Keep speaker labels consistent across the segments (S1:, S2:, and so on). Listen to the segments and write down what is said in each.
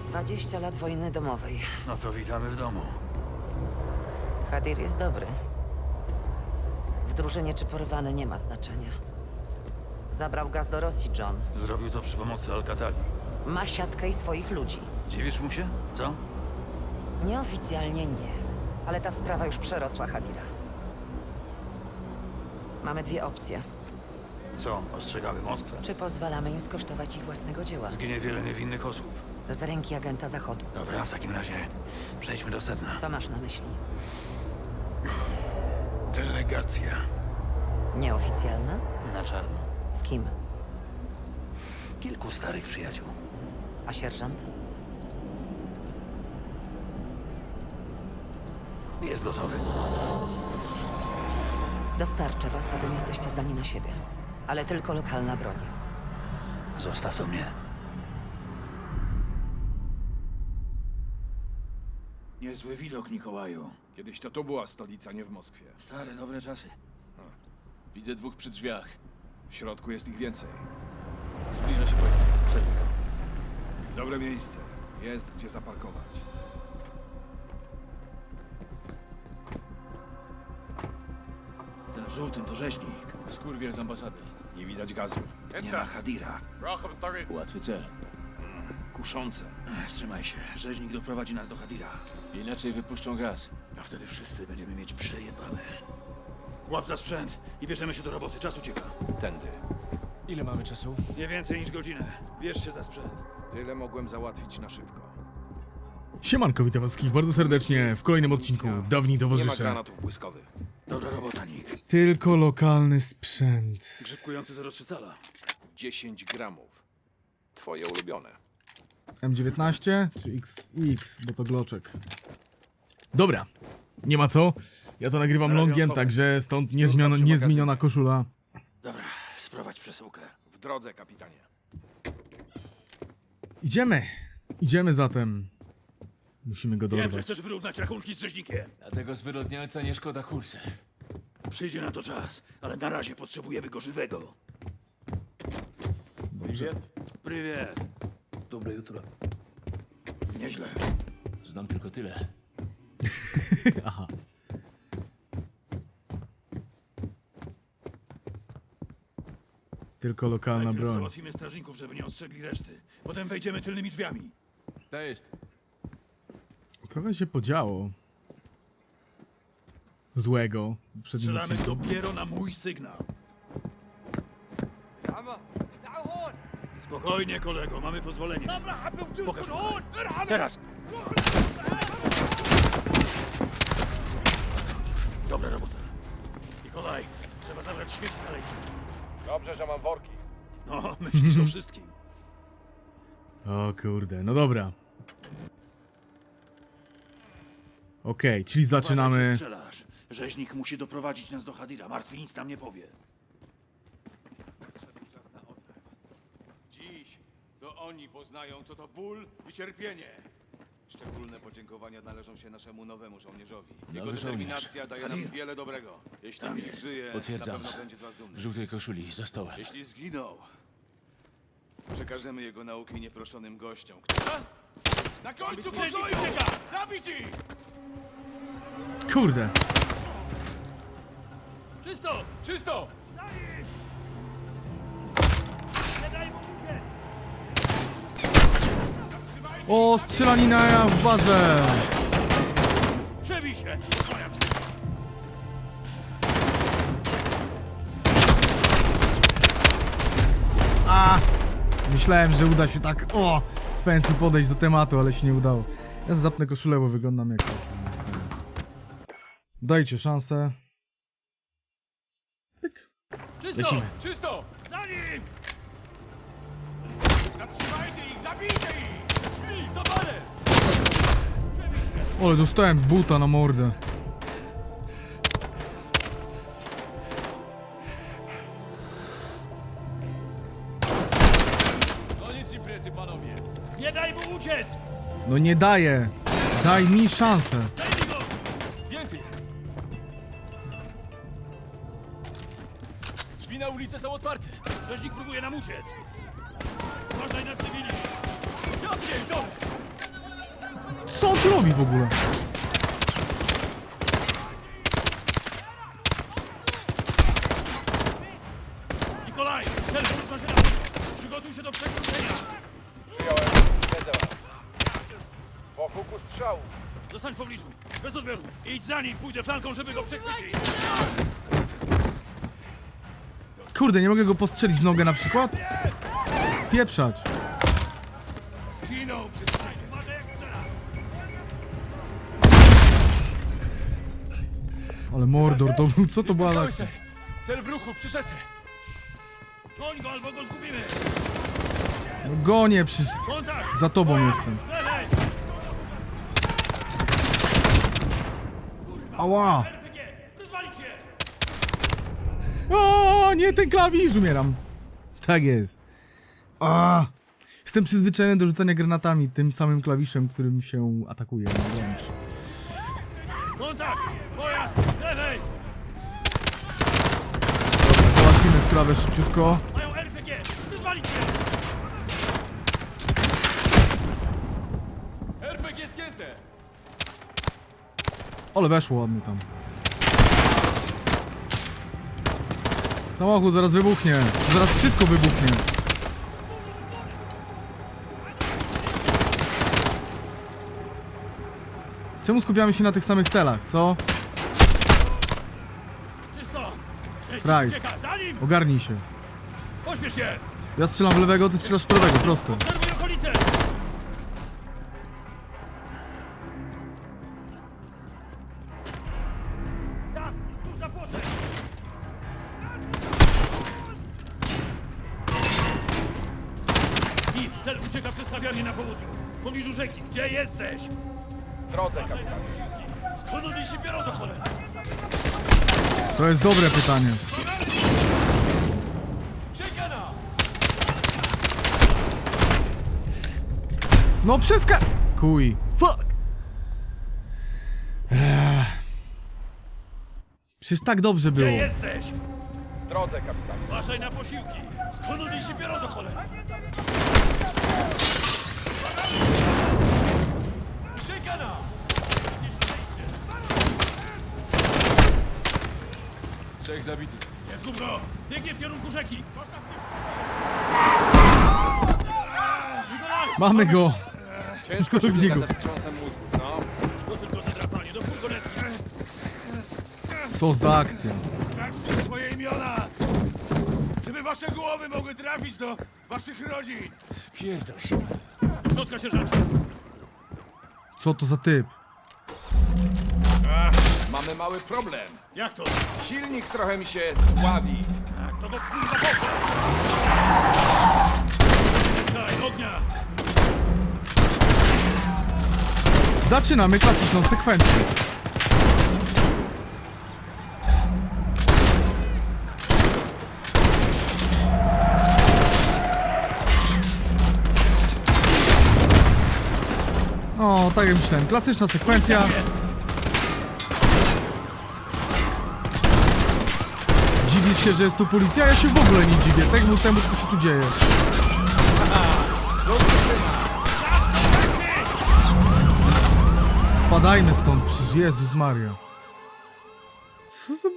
S1: 20 lat wojny domowej.
S2: No to witamy w domu.
S1: Hadir jest dobry. W drużynie czy porwany nie ma znaczenia. Zabrał gaz do Rosji, John.
S2: Zrobił to przy pomocy Alcatali.
S1: Ma siatkę i swoich ludzi.
S2: Dziwisz mu się? Co?
S1: Nieoficjalnie nie. Ale ta sprawa już przerosła Hadira. Mamy dwie opcje.
S2: Co? Ostrzegamy Moskwę?
S1: Czy pozwalamy im skosztować ich własnego dzieła?
S2: Zginie wiele niewinnych osób.
S1: Z ręki agenta Zachodu.
S2: Dobra, w takim razie przejdźmy do sedna.
S1: Co masz na myśli?
S2: Delegacja.
S1: Nieoficjalna?
S2: Na czarno.
S1: Z kim?
S2: Kilku starych przyjaciół.
S1: A sierżant?
S2: Jest gotowy.
S1: Dostarczę was, potem jesteście zdani na siebie. Ale tylko lokalna broń.
S2: Zostaw to mnie. Niezły widok, Mikołaju.
S3: Kiedyś to tu była stolica, nie w Moskwie.
S2: Stare, dobre czasy.
S3: Widzę dwóch przy drzwiach. W środku jest ich więcej. Zbliża się pojazd.
S2: Przejmij go.
S3: Dobre miejsce. Jest gdzie zaparkować.
S2: Ten w żółtym to rzeźnik.
S3: Skurwiel z ambasady. Nie widać gazu.
S2: Nie ma Hadira.
S3: Łatwy cel. Kuszące.
S2: Wstrzymaj się. Rzeźnik doprowadzi nas do Hadira.
S3: Inaczej wypuszczą gaz.
S2: A wtedy wszyscy będziemy mieć przejebane. Łap za sprzęt i bierzemy się do roboty. Czas ucieka.
S3: Tędy. Ile mamy czasu?
S2: Nie więcej niż godzinę. Bierz się za sprzęt.
S3: Tyle mogłem załatwić na szybko.
S4: Siemanko, witam was wszystkich bardzo serdecznie w kolejnym odcinku Dawni
S3: Nie ma
S4: Towarzysze.
S3: granatów błyskowych.
S2: Dobra robota, Nick.
S4: Tylko lokalny sprzęt.
S2: Grzybkujący 0,3 cala.
S3: 10 gramów. Twoje ulubione.
S4: M19 czy XX, bo to gloczek. Dobra, nie ma co. Ja to nagrywam longiem, także stąd niezmieniona koszula.
S2: Dobra, sprowadź przesyłkę.
S3: W drodze, kapitanie.
S4: Idziemy zatem. Musimy go
S2: Wiem, że
S4: dorwać.
S2: chcesz wyrównać rachunki z rzeźnikiem.
S3: Dlatego zwyrodnialca nie szkoda kursy.
S2: Przyjdzie na to czas, ale na razie potrzebujemy go żywego.
S4: Dobrze.
S2: Prywiet. Dobre jutro. Nieźle.
S3: Znam tylko tyle.
S4: Aha. Tylko lokalna
S2: Najpierw
S4: broń.
S2: załatwimy strażników, żeby nie ostrzegli reszty. Potem wejdziemy tylnymi drzwiami.
S3: To jest.
S4: Trochę się podziało. Złego. w poprzednim
S2: Strzelamy
S4: odcinku.
S2: dopiero na mój sygnał. Spokojnie, kolego, mamy pozwolenie. Pokaż tutaj. Teraz. Dobra robota. Nikolaj, trzeba zabrać śmieci zalejcze.
S3: Dobrze, że mam worki.
S2: No, myślisz o wszystkim.
S4: O kurde, no dobra. Okej, czyli zaczynamy.
S2: Strzelasz. Rzeźnik musi doprowadzić nas do Hadira. Martwy nic nam nie powie.
S5: Dziś to oni poznają, co to ból i cierpienie. Szczególne podziękowania należą się naszemu nowemu żołnierzowi. Jego
S3: Nowy
S5: determinacja daje nam
S2: Hadir.
S5: wiele dobrego. Jeśli
S2: Tam
S5: Nick
S2: jest.
S5: żyje,
S3: Potwierdzam.
S5: na pewno będzie z was dumny.
S3: W żółtej koszuli, za stołem.
S5: Jeśli zginął, przekażemy jego nauki nieproszonym gościom. Na końcu pokoju! Zabić ich!
S4: Kurde.
S3: Czysto! Czysto!
S4: O, strzelanina w barze.
S2: Przebij się!
S4: A! Myślałem, że uda się tak, fancy podejść do tematu, ale się nie udało. Ja zapnę koszulę, bo wyglądam jak... Dajcie szansę. Pyk.
S3: Czysto!
S4: Lecimy.
S3: Czysto!
S2: Za nim!
S5: Zatrzymajcie ich! Zabijcie ich! Drzwi! Zapalę!
S4: Ale dostałem buta na mordę.
S5: Koniec imprezy, panowie!
S2: Nie daj mu uciec!
S4: No nie daję. Daj mi szansę.
S2: Zdejmij go!
S3: Zdjęty! Drzwi na ulicę są otwarte.
S2: Rzeźnik próbuje nam uciec. Uważaj na cywili!
S3: Ja pierdolę!
S4: tu robi w ogóle?
S2: Nikolaj, cel wróć na ziemię. Przygotuj się do przekroczenia.
S5: Przyjąłem. Wiedzę was. Wokół strzału.
S2: Zostań w pobliżu, bez odbioru. Idź za nim, pójdę flanką, żeby go przechwycić.
S4: Kurde, nie mogę go postrzelić w nogę na przykład? Spieprzać.
S2: Zginął przed chwilą. Uważaj jak strzela.
S4: Ale Mordor to był, co to była za...
S3: Cel w ruchu, przy rzece.
S2: Goń go albo go zgubimy.
S4: No gonię, przecież
S2: Kontakt!
S4: za tobą jestem.
S2: Z lewej!
S4: Ała!
S2: RPG! Rozwalić się!
S4: O, nie, ten klawisz, umieram. Tak jest. A, jestem przyzwyczajony do rzucania granatami tym samym klawiszem, którym się atakuje na wręcz.
S2: Kontakt! Pojazd! Z lewej!
S4: Dobra, załatwimy sprawę szybciutko.
S2: Mają RPG! Rozwalić się!
S3: RPG zdjęte!
S4: Ale weszło ładnie tam. Samochód zaraz wybuchnie. Zaraz wszystko wybuchnie. Czemu skupiamy się na tych samych celach, co?
S2: Czysto!
S4: Price.
S2: Ucieka! Za nim!
S4: Ogarnij się.
S2: Pośpiesz się!
S4: Ja strzelam w lewego, ty strzelasz w prawego, prosto.
S2: Obserwuj okolice! Tak! Tu za płotem! I cel ucieka przez kawiarnię na południu. W pobliżu rzeki. Gdzie jesteś?
S5: W drodze, kapitanie.
S2: Skąd oni się biorą do cholery?
S4: To jest dobre pytanie.
S3: Czekana!
S4: No kuj. Fuck! Przecież tak dobrze
S2: Gdzie
S4: było.
S2: jesteś?
S5: W drodze, kapitanie.
S2: Uważaj na posiłki. Skąd oni się biorą do cholery?
S3: Czekana! Trzech zabitych.
S2: Jest gówno! Biegnie w kierunku rzeki! Nikolaj!
S4: Mamy go.
S3: Ciężko
S4: się biega ze
S3: wstrząsem mózgu, co?
S2: To tylko zadrapanie do furgonetki.
S4: Co za akcja.
S2: Sprawdźcie swoje imiona! Żeby wasze głowy mogły trafić do waszych rodzin!
S3: Pierdol się.
S2: Do środka, sierżancie!
S4: Co to za typ?
S3: Mamy mały problem.
S2: Jak to?
S3: Silnik trochę mi się dławi.
S2: Tak, to go kurwa poszło! Daj, ognia!
S4: Zaczynamy klasyczną sekwencję. O, tak jak myślałem, klasyczna sekwencja. Dziwisz się, że jest tu policja? Ja się w ogóle nie dziwię, temu, co się tu dzieje. Spadajmy stąd, przecież Jezus Maria. Co za...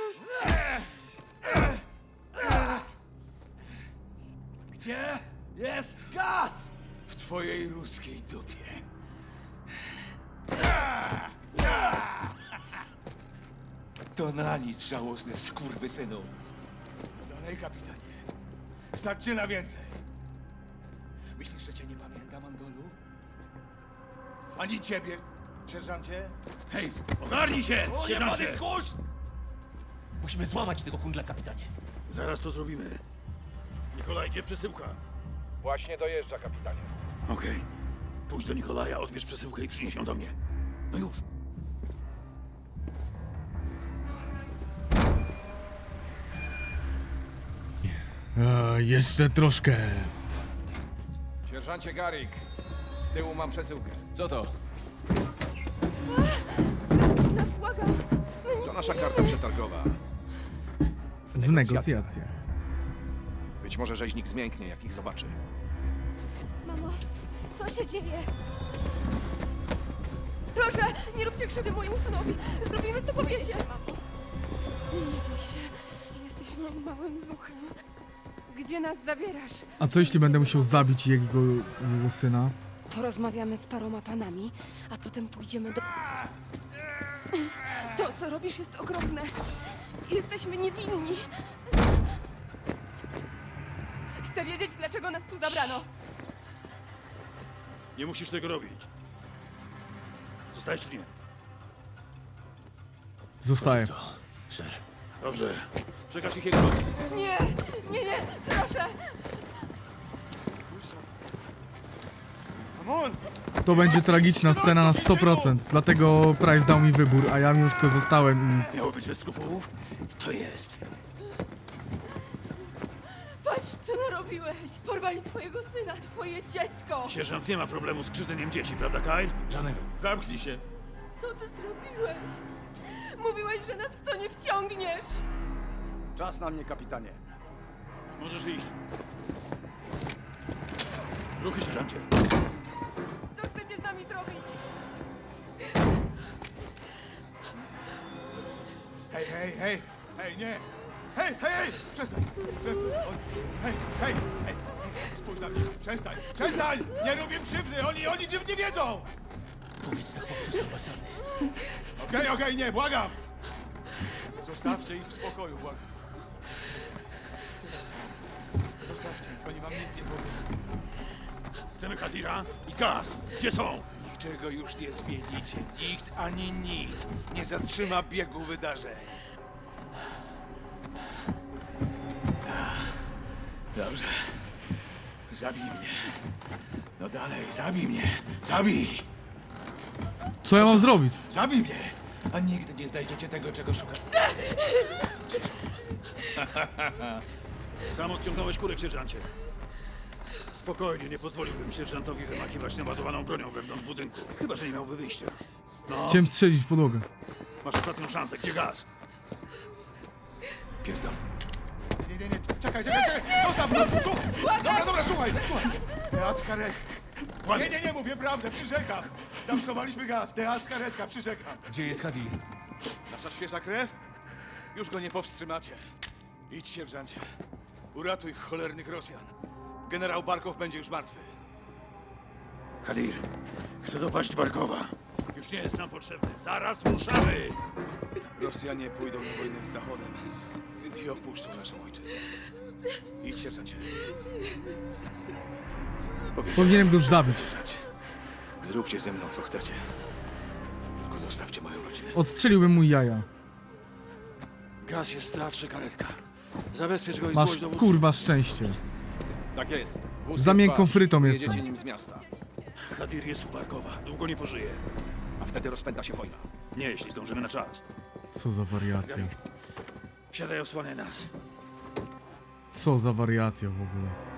S2: Gdzie jest gaz? W twojej ruskiej dupie.
S5: To na nic, żałosny skurwysynu.
S2: No dalej, kapitanie. Stać cię na więcej. Myślisz, że cię nie pamiętam, Angolu? Ani ciebie, sierżancie? Hej, ogarnij się, sierżancie!
S5: tchórz!
S6: Musimy złamać tego kundla, kapitanie.
S2: Zaraz to zrobimy. Nikolaj, gdzie przesyłka?
S5: Właśnie dojeżdża, kapitanie.
S2: Okej. Pójdź do Nikolaja, odbierz przesyłkę i przynieś ją do mnie. No już.
S4: Jeszcze troszkę.
S3: Sierżancie Garrick, z tyłu mam przesyłkę. Co to?
S7: Nas błagam!
S3: To nasza karta przetargowa.
S4: W negocjacjach.
S3: Być może rzeźnik zmięknie, jak ich zobaczy.
S7: Mamo, co się dzieje? Proszę, nie róbcie krzywdy mojemu synowi. Zrobimy, co powiecie. Nie bój się. Jesteś moim małym zuchem. Gdzie nas zabierasz?
S4: A co jeśli będę musiał zabić jego syna?
S7: Porozmawiamy z paroma panami, a potem pójdziemy do... To, co robisz, jest okropne. Jesteśmy niewinni. Chcę wiedzieć, dlaczego nas tu zabrano.
S8: Nie musisz tego robić. Zostajesz czy nie?
S4: Zostaję.
S6: Ser.
S8: Dobrze. Przekaż ich jego.
S7: Nie, nie, nie, proszę.
S4: To będzie tragiczna scena na 100%, dlatego Price dał mi wybór, a ja mimo wszystko zostałem i...
S8: Miało być bez skrupułów? To jest.
S7: Patrz, co narobiłeś. Porwali twojego syna, twoje dziecko.
S8: Sierżant nie ma problemu z krzywdzeniem dzieci, prawda, Kyle?
S6: Żadnego.
S5: Zamknij się.
S7: Co ty zrobiłeś? Mówiłeś, że nas w to nie wciągniesz.
S2: Czas na mnie, kapitanie.
S8: Możesz iść. Ruchy, sierżancie.
S7: Co chcecie z nami zrobić?
S2: Hej, hej, hej! Hej, nie! Hej, hej, hej! Przestań! Przestań! Hej, hej, hej! Spójrz na mnie! Przestań! Przestań! Nie robię krzywdy! Oni czym nie wiedzą!
S6: Powiedz za chłopcu z ambasady.
S2: Okej, nie, błagam! Zostawcie ich w spokoju, błagam. Zostawcie ich, oni wam nic nie powiedzą.
S8: Chcemy Hadira i gaz. Gdzie są?
S2: Niczego już nie zmienicie. Nikt ani nic nie zatrzyma biegu wydarzeń. Dobrze. Zabij mnie. No dalej, zabij mnie. Zabij!
S4: Co ja mam zrobić?
S2: Zabij mnie! A nigdy nie znajdziecie tego, czego szukacie.
S8: Sam odciągnąłeś kurek, sierżancie. Spokojnie, nie pozwoliłbym sierżantowi wymachiwać naładowaną bronią wewnątrz budynku. Chyba, że nie miałby wyjścia. No,
S4: Chciałem strzelić w podłogę.
S8: masz ostatnią szansę. Gdzie gaz?
S2: Pierdol. Nie, czekaj. Zostaw mnie! Dobra, słuchaj. Teatr karetka.
S8: Kłamie.
S2: Nie, mówię prawdę, przyrzekam. Tam schowaliśmy gaz. Teatr karetka, przyrzekam.
S6: Gdzie jest Hadir?
S2: Nasza świeża krew? Już go nie powstrzymacie. Idź, sierżancie. Uratuj cholernych Rosjan. Generał Barkow będzie już martwy.
S8: Hadir, chcę dopaść Barkowa. Już nie jest nam potrzebny. Zaraz ruszamy!
S2: Rosjanie pójdą na wojnę z Zachodem i opuszczą naszą ojczyznę. Idź, sierżancie.
S4: Powinienem go zabić.
S2: Zróbcie ze mną, co chcecie. Tylko zostawcie moją rodzinę.
S4: Odstrzeliłbym mu jaja.
S2: Gaz jest w teatrze karetka. Zabezpiecz go i
S4: Masz
S2: zgłoś dowódcy.
S4: kurwa szczęście.
S3: Tak jest. Wóz
S4: Za
S3: jest
S4: miękką
S3: wasz.
S4: frytą
S3: Jedziecie
S4: jestem.
S3: nim z miasta.
S8: Hadir jest u Barkowa. Długo nie pożyje.
S3: A wtedy rozpęta się wojna.
S8: Nie, jeśli zdążymy na czas.
S4: Co za wariacja.
S8: Wsiadaj, osłaniaj nas.
S4: Co za wariacja w ogóle.